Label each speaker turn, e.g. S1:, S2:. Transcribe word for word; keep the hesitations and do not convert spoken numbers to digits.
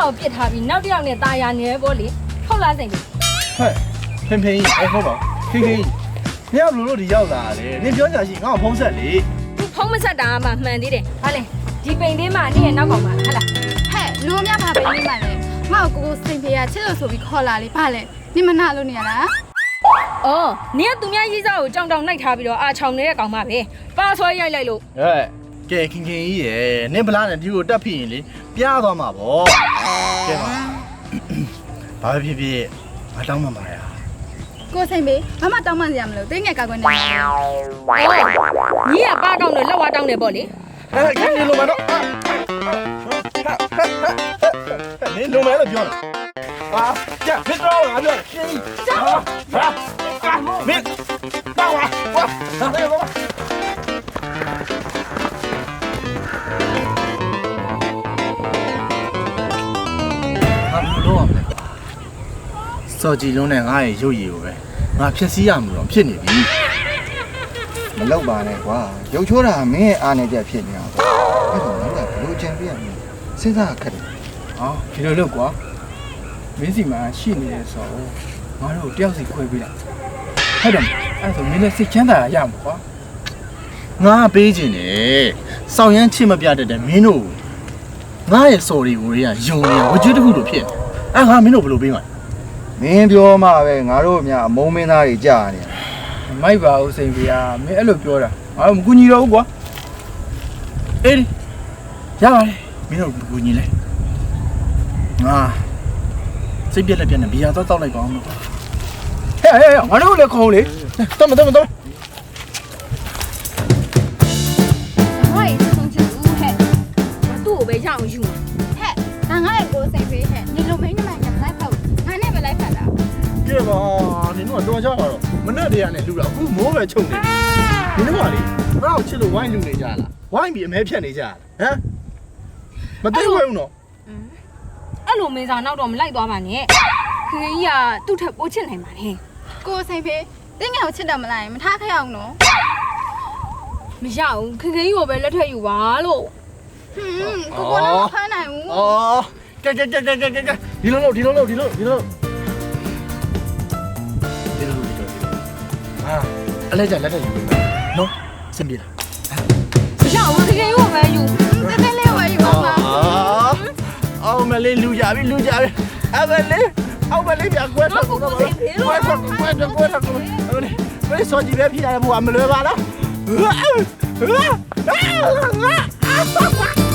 S1: ကိုပြစ်ထားပြီးနောက်တစ်ယောက်နဲ့ตายရနေပေါ့လေဟုတ်လားစိန်ကြီး
S2: ဟဲ့ဖင်ဖင်ကြီးအဲ့ဟုတ်ပါခေခေကြီးနင်ကဘလို့လို့ဒီရောက်လာတယ်နင်ပြောကြရှိငါ့ကိုဖုံးဆက်လေ
S1: သူဖုံးမဆက်တာမှမှန်သေးတယ်ဟာလေဒီပိန်သေးမှနေ့ရဲ့နောက်ကောင်ပါဟဲ့လား
S3: ဟဲ့လူအများဘာပဲနေမှလဲငါ့ကိုကိုစိန်ဖေးရချစ်လို့ဆိုပြီးခေါ်လာလေဘာလဲနေမနာလို့နေရလား
S1: အော်နင်ကသူများရေးစားကိုကြောင်တောင်နှိုက်ထားပြီးတော့အာချောင်နေတဲ့ကောင်မပဲပါဆွဲရိုက်လိုက်လို့
S2: ဟဲ့ကဲခင်ခင်ကြီးရယ်နင်ဗလားနဲ့ဒီကိုတက်ဖြစ်ရင်လေပြားသွားမှာဗောကဲပါဘာပဲဖြစ်ဖြစ်မတောင်းမှပါရ
S3: ကိုစိန်ဖေးဘာမှတောင်းပန်စရာမလိုတင်းငယ်ကောက်ကွယ်နေတယ်
S1: အော်ညီကပါကောင်းတယ်လက်ဝါတောင်းတယ်ပေါ့လေ
S2: ဟဲ့ခင်ခင်လုံးမတော့နင်လုံးမဲလို့ပြောတာဟာကြဖြစ်တော့ငါပြောရှင်ဟာဟာမင်းတော့ဝါဝါဟာဟဲ့ဘာလို့လဲစော်ကြည်လုံးနဲ့ငါ့ရဲ့ရုပ်ရည်ကိုပဲငါဖြည့်ဆည်းရမှာတော့ဖြစ်နေပြီ
S4: မလောက်ပါနဲ့ကွာရုပ်ချိုးတာမင်းအားနေကြဖြစ်နေတာပေါ့အဲ့တော့ငါကဘလို့ချန်ပီယံစဉ်းစားခက်တယ်
S5: ဟောဒီလိုလုပ်ကွာမင်းစီမှာရှိနေတယ်ဆိုတော့ငါတို့တယောက်စီခွဲပေးလိုက်ဟုတ်တယ်အဲ့ဆိုမင်းလည်းစိတ်ချမ်းသာရမှာကွာ
S2: ငါပေးခြင်းနဲ့စောင့်ရမ်းချစ်မပြတတ်တဲ့မင်းတို့ငါရဲ့စော်တွေကိုတွေကယုံနေဝကြွတစ်ခုလိုဖြစ်နေအဲ့ငါမင်းတို့ဘယ်လိုပေးမှာ
S4: မင်းပြောမှပဲငါတို့အများအမုံမင်းသားတွေကြာနေတယ်
S5: မိုက်ပါဦးစိန်ဖေးမင်းအဲ့လိုပြောတာငါတို့မကူညီတော့ဘူးကွာ
S2: အေးရပါတယ်မင်းတို့ကူညီလိုက်ငါစိတ်ပြက်လက်ပြက်နဲ့ဘီယာတော့တောက်လိုက်ပါအောင်လို့
S5: ဟဲ့ဟဲ့ငါတို့လည်းခေါင်းလေ
S2: တော်မတော်မတော်
S1: ဟိုင်းဆုံးချူဟဲ့သူ့ကိုပဲရအောင်ယူ
S3: ဟဲ့ဒါငါ့ရဲ့ကိုစိန်ဖေးဟဲ့နေလိုမင်းနဲ့မှညမလိုက်ဖောက်ငါနဲ့ပဲလိုက်ဖက်တာ
S2: ကဲပါနင်တို့ကတော့ကြပါတော့မနဲ့တည်းကနေလူတာအခုမိုးပဲချုပ်နေနင်တို့ကလေငါ့ကိုချစ်လို့ဝိုင်းလူနေကြလားဝိုင်းပြီးအမဲဖြတ်နေကြလားဟမ်မသိဘူးနော်
S1: အဲ့လိုမေးစာနောက်တော့မလိုက်သွားပါနဲ့ခင်ကြီးကသူ့ထက်ပိုချစ်နိုင်ပါနဲ့
S3: ကိုစိန်ဖေးတင်းငယ်ကိုချစ်တယ်မလားမထားခဲ့အောင်နော်
S1: မရဘူးခင်ခင်ကြီးကိုပဲလက်ထက်ယူပါလို့
S3: ဟွန်းကိုကိုလည်းမဖမ်းနိုင်ဘူး
S2: အော်ကဲကဲကဲကဲကဲကဲဒီလိုလို့ဒီလိုလို့ဒီလိုဒီလိုဒီလိုဒီလိုဟာအလဲကြလက်ထက်ယူမယ်နော်စင်ပြေလား
S1: မရဘူးခင်ခင်ကြီးကိုပဲယူ
S3: တဲတဲလေးဝယ်ယူပါမှာ
S2: အော်မလေးလူကြပြီလူကြပြီအမလေးအောက်မလေးပြကွဲတော့ကွဲတော့ကွဲတော့ကွဲတော့ကွဲတော့အမလေးဘယ်စောကြည့်ပဲဖြစ်ရတယ်ဘုရားမလွယ်ပါလား